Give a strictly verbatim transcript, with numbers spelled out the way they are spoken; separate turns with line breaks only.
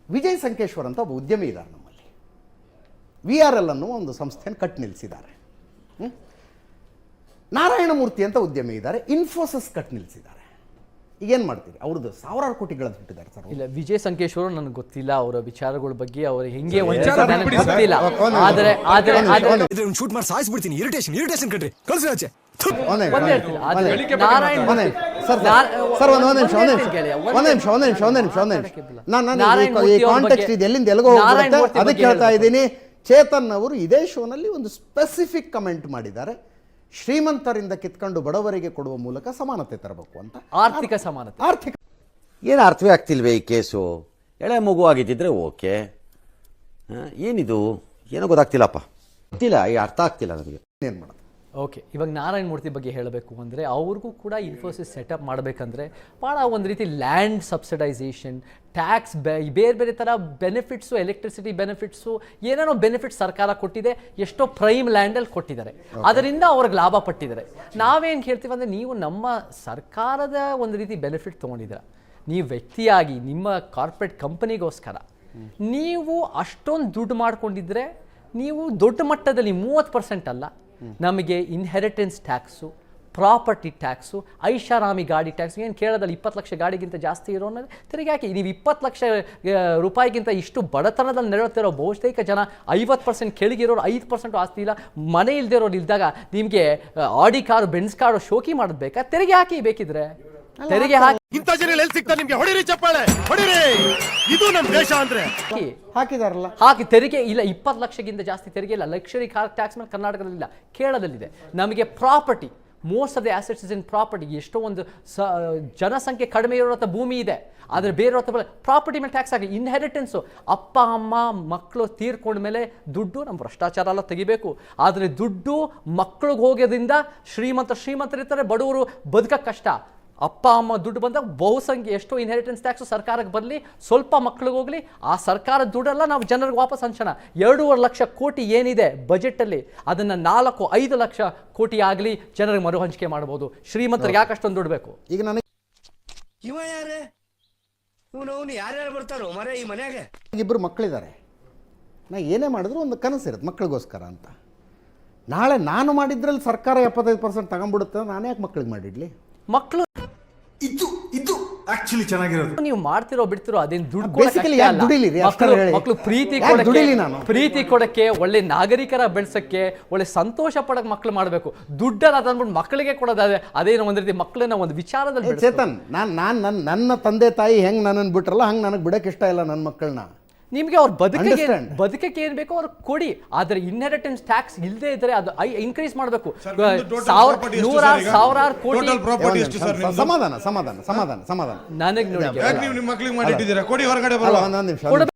ವಿಜಯ್ ಸಂಕೇಶ್ವರ್ ಅಂತ ಒಬ್ಬ ಉದ್ಯಮಿ ಇದ್ದಾರೆ ನಮ್ಮಲ್ಲಿ. ವಿ ಆರ್ ಎಲ್ ಅನ್ನುವ ಒಂದು ಸಂಸ್ಥೆಯನ್ನು ಕಟ್ ನಿಲ್ಲಿಸಿದ್ದಾರೆ. ನಾರಾಯಣಮೂರ್ತಿ ಅಂತ ಉದ್ಯಮಿ ಇದ್ದಾರೆ, ಇನ್ಫೋಸಿಸ್ ಕಟ್ ನಿಲ್ಲಿಸಿದ್ದಾರೆ. ಈಗೇನು ಮಾಡ್ತೀರಿ? ಅವ್ರದ್ದು ಸಾವಿರಾರು ಕೋಟಿಗಳನ್ನು ಬಿಟ್ಟಿದ್ದಾರೆ ಸರ್.
ಇಲ್ಲ, ವಿಜಯ್ ಸಂಕೇಶ್ವರು ನನಗೆ ಗೊತ್ತಿಲ್ಲ ಅವರ ವಿಚಾರಗಳ ಬಗ್ಗೆ, ಅವರು ಹೆಂಗೆ ಗೊತ್ತಿಲ್ಲ. ಆದರೆ ಆದರೆ
ಶೂಟ್ ಮಾಡಿ ಸಾಯಿಸ್ಬಿಡ್ತೀನಿ. ಇರಿಟೇಷನ್ ಇರಿಟೇಷನ್ ಕಟ್ರಿ ಕಳ್ಸಿ ಆಚೆ.
ಎಲ್ಲಿಂದ ಎಲ್ಲಿಗೋ ಹೋಗುತ್ತೆ ಅದಕ್ಕೆ ಹೇಳ್ತಾ ಇದ್ದೀನಿ. ಚೇತನ್ ಅವರು ಇದೇ ಶೋನಲ್ಲಿ ಒಂದು ಸ್ಪೆಸಿಫಿಕ್ ಕಮೆಂಟ್ ಮಾಡಿದ್ದಾರೆ, ಶ್ರೀಮಂತರಿಂದ ಕಿತ್ಕೊಂಡು ಬಡವರಿಗೆ ಕೊಡುವ ಮೂಲಕ ಸಮಾನತೆ ತರಬೇಕು ಅಂತ.
ಆರ್ಥಿಕ ಸಮಾನತೆ.
ಆರ್ಥಿಕ
ಏನು ಅರ್ಥವೇ ಆಗ್ತಿಲ್ವೇ ಈ ಕೇಸು? ಎಳೆ ಮಗು ಆಗಿದ್ದಿದ್ರೆ ಓಕೆ, ಏನಿದು ಏನೋ ಗೊತ್ತಾಗ್ತಿಲ್ಲಪ್ಪ, ಗೊತ್ತಿಲ್ಲ, ಈ ಅರ್ಥ ಆಗ್ತಿಲ್ಲ ನನಗೆ
ಏನು ಮಾಡೋದು.
ಓಕೆ, ಇವಾಗ ನಾರಾಯಣ ಮೂರ್ತಿ ಬಗ್ಗೆ ಹೇಳಬೇಕು ಅಂದರೆ ಅವ್ರಿಗೂ ಕೂಡ ಇನ್ಫೋಸಿಸ್ ಸೆಟಪ್ ಮಾಡಬೇಕಂದ್ರೆ ಭಾಳ ಒಂದು ರೀತಿ ಲ್ಯಾಂಡ್ ಸಬ್ಸಿಡೈಸೇಷನ್, ಟ್ಯಾಕ್ಸ್, ಬೇರೆ ಬೇರೆ ಥರ ಬೆನಿಫಿಟ್ಸು, ಎಲೆಕ್ಟ್ರಿಸಿಟಿ ಬೆನಿಫಿಟ್ಸು, ಏನೇನೋ ಬೆನಿಫಿಟ್ಸ್ ಸರ್ಕಾರ ಕೊಟ್ಟಿದೆ, ಎಷ್ಟೋ ಪ್ರೈಮ್ ಲ್ಯಾಂಡಲ್ಲಿ ಕೊಟ್ಟಿದ್ದಾರೆ, ಅದರಿಂದ ಅವ್ರಿಗೆ ಲಾಭ ಪಟ್ಟಿದ್ದಾರೆ. ನಾವೇನು ಹೇಳ್ತೀವಿ ಅಂದರೆ, ನೀವು ನಮ್ಮ ಸರ್ಕಾರದ ಒಂದು ರೀತಿ ಬೆನಿಫಿಟ್ ತೊಗೊಂಡಿದ್ದೀರ, ನೀವು ವ್ಯಕ್ತಿಯಾಗಿ ನಿಮ್ಮ ಕಾರ್ಪೊರೇಟ್ ಕಂಪನಿಗೋಸ್ಕರ ನೀವು ಅಷ್ಟೊಂದು ದುಡ್ಡು ಮಾಡ್ಕೊಂಡಿದ್ರೆ, ನೀವು ದೊಡ್ಡ ಮಟ್ಟದಲ್ಲಿ ಮೂವತ್ತು ಪರ್ಸೆಂಟ್ ಅಲ್ಲ, ನಮಗೆ ಇನ್ಹೆರಿಟೆನ್ಸ್ ಟ್ಯಾಕ್ಸು, ಪ್ರಾಪರ್ಟಿ ಟ್ಯಾಕ್ಸು, ಐಷಾರಾಮಿ ಗಾಡಿ ಟ್ಯಾಕ್ಸ್, ಏನು ಕೇಳೋದಲ್ಲ, ಇಪ್ಪತ್ತು ಲಕ್ಷ ಗಾಡಿಗಿಂತ ಜಾಸ್ತಿ ಇರೋ ಅನ್ನೋದು ತಿರುಗಿ ಹಾಕಿ. ನೀವು ಇಪ್ಪತ್ತು ಲಕ್ಷ ರೂಪಾಯಿಗಿಂತ ಇಷ್ಟು ಬಡತನದಲ್ಲಿ ನೆರಳುತ್ತಿರೋ ಬಹುತೇಕ ಜನ ಐವತ್ತು ಪರ್ಸೆಂಟ್ ಕೆಳಗಿರೋರು, ಐದು ಪರ್ಸೆಂಟ್ ಆಸ್ತಿ ಇಲ್ಲ, ಮನೆ ಇಲ್ದಿರೋರು ಇಲ್ದಾಗ ನಿಮಗೆ ಆಡಿ ಕಾರು, ಬೆನ್ಸ್ ಕಾರು ಶೋಕಿ ಮಾಡೋದು ಬೇಕಾ? ತೆರಿಗೆ ಹಾಕಿ, ಬೇಕಿದ್ರೆ ತೆರಿಗೆ ಹಾಕಿ.
ಇಂಥ ಜನ ಎಲ್ಲಿ ಸಿಗ್ತಾರೆ ನಿಮಗೆ? ಹೊಡಿರಿ ಚಪ್ಪಾಳೆ, ಹೊಡಿರಿ. ಇದು ನಮ್ಮ ದೇಶ ಅಂದ್ರೆ
ಹಾಕಿದಾರಲ್ಲ,
ಹಾಕಿ. ತೆರಿಗೆ ಇಲ್ಲ, ಇಪ್ಪತ್ತು ಲಕ್ಷಕ್ಕಿಂತ ಜಾಸ್ತಿ ತೆರಿಗೆ ಇಲ್ಲ. ಲಕ್ಷರಿ ಕಾರ್ ಟ್ಯಾಕ್ಸ್ ಮೇಲೆ ಕರ್ನಾಟಕದಲ್ಲಿಲ್ಲ, ಕೇರಳದಲ್ಲಿದೆ. ನಮಗೆ property, most of the assets is in property. ಎಷ್ಟೋ ಒಂದು ಸ ಜನಸಂಖ್ಯೆ ಕಡಿಮೆ ಇರೋಂಥ ಭೂಮಿ ಇದೆ, ಆದರೆ ಬೇರೆ ಪ್ರಾಪರ್ಟಿ ಮೇಲೆ ಟ್ಯಾಕ್ಸ್ ಆಗಿ. ಇನ್ಹೆರಿಟೆನ್ಸು, ಅಪ್ಪ ಅಮ್ಮ ಮಕ್ಕಳು ತೀರ್ಕೊಂಡ ಮೇಲೆ ದುಡ್ಡು, ನಮ್ಮ ಭ್ರಷ್ಟಾಚಾರ ಎಲ್ಲ ತೆಗಿಬೇಕು. ಆದರೆ ದುಡ್ಡು ಮಕ್ಕಳಿಗೆ ಹೋಗೋದ್ರಿಂದ ಶ್ರೀಮಂತ ಶ್ರೀಮಂತರಿರ್ತಾರೆ, ಬಡವರು ಬದುಕಕ್ಕೆ ಕಷ್ಟ. ಅಪ್ಪ ಅಮ್ಮ ದುಡ್ಡು ಬಂದಾಗ ಬಹುಸಂಖ್ಯೆ ಎಷ್ಟೋ ಇನ್ಹೆರಿಟೆನ್ಸ್ ಟ್ಯಾಕ್ಸು ಸರ್ಕಾರಕ್ಕೆ ಬರಲಿ, ಸ್ವಲ್ಪ ಮಕ್ಳಿಗೆ ಹೋಗಲಿ, ಆ ಸರ್ಕಾರದ ದುಡ್ಡೆಲ್ಲ ನಾವು ಜನರಿಗೆ ವಾಪಸ್ ಹಂಚೋಣ. ಎರಡೂವರೆ ಲಕ್ಷ ಕೋಟಿ ಏನಿದೆ ಬಜೆಟಲ್ಲಿ, ಅದನ್ನು ನಾಲ್ಕು ಐದು ಲಕ್ಷ ಕೋಟಿ ಆಗಲಿ ಜನರಿಗೆ ಮರು ಹಂಚಿಕೆ ಮಾಡ್ಬೋದು. ಶ್ರೀಮಂತರಿಗೆ ಯಾಕಷ್ಟೊಂದು ದುಡ್ಡು ಬೇಕು?
ಈಗ ನನಗೆ
ಇವ ಯಾರೇ ಇವನು ಯಾರ್ಯಾರು ಬರ್ತಾರೋ ಮರೆ ಈ ಮನೆಯಾಗೆ?
ಇಬ್ಬರು ಮಕ್ಕಳಿದ್ದಾರೆ, ನಾ ಏನೇ ಮಾಡಿದ್ರು ಒಂದು ಕನಸಿರುತ್ತೆ ಮಕ್ಕಳಿಗೋಸ್ಕರ ಅಂತ. ನಾಳೆ ನಾನು ಮಾಡಿದ್ರಲ್ಲಿ ಸರ್ಕಾರ ಎಪ್ಪತ್ತೈದು ಪರ್ಸೆಂಟ್ ತಗೊಂಡ್ಬಿಡುತ್ತೆ, ನಾನು ಯಾಕೆ ಮಕ್ಕಳಿಗೆ ಮಾಡಿಡ್ಲಿ?
ಮಕ್ಕಳು
ಇದು ಇದು ಆಕ್ಚುಲಿ ಚೆನ್ನಾಗಿರೋದು.
ನೀವು ಮಾಡ್ತಿರೋ ಬಿಡ್ತಿರೋ ಅದೇನು ದುಡ್ಡು ಮಕ್ಕಳು ಪ್ರೀತಿ ಕೊಡಕ್ಕೆ, ಪ್ರೀತಿ ಕೊಡಕ್ಕೆ, ಒಳ್ಳೆ ನಾಗರಿಕರ ಬೆಳೆಸಕ್ಕೆ, ಒಳ್ಳೆ ಸಂತೋಷ ಪಡಕ್ಕೆ ಮಕ್ಕಳು ಮಾಡಬೇಕು. ದುಡ್ಡನ್ನ ತಂದ್ಬಿಟ್ಟು ಮಕ್ಕಳಿಗೆ ಕೊಡೋದಾದ್ರೆ ಅದೇನೋ ಒಂದು ರೀತಿ ಮಕ್ಕಳನ್ನ ಒಂದು ವಿಚಾರದಲ್ಲಿ.
ಚೇತನ್, ನಾನು ನಾನು ನನ್ನ ನನ್ನ ತಂದೆ ತಾಯಿ ಹೆಂಗೆ ನನ್ನನ್ನು ಬಿಟ್ರಲ್ಲ ಹಂಗೆ ನನಗೆ ಬಿಡಕ್ಕೆ ಇಷ್ಟ ಇಲ್ಲ ನನ್ನ ಮಕ್ಕಳನ್ನ.
ನಿಮಗೆ ಅವ್ರ ಬದುಕಿಗೆ ಬದುಕಕ್ಕೆ ಏನು ಬೇಕೋ ಅವ್ರು ಕೊಡಿ, ಆದರೆ ಇನ್ಹೆರಿಟೆನ್ಸ್ ಟ್ಯಾಕ್ಸ್ ಇಲ್ಲದೆ ಇದ್ರೆ ಅದು ಇನ್ಕ್ರೀಸ್ ಮಾಡಬೇಕು. ನೂರಾರು ಸಾವಿರಾರು ಕೋಟಿ.
ಸಮಾಧಾನ ಸಮಾಧಾನ ಸಮಾಧಾನ ಸಮಾಧಾನ
ನನಗೆ ನೋಡಿ
ನಿಮ್ಮ ಮಕ್ಕಳಿಗೆ ಮಾಡಿಟ್ಟಿದ್ದೀರಾ, ಕೊಡಿ ಹೊರಗಡೆ ಬರಲ್ಲ.
ಒಂದೊಂದು ನಿಮಿಷ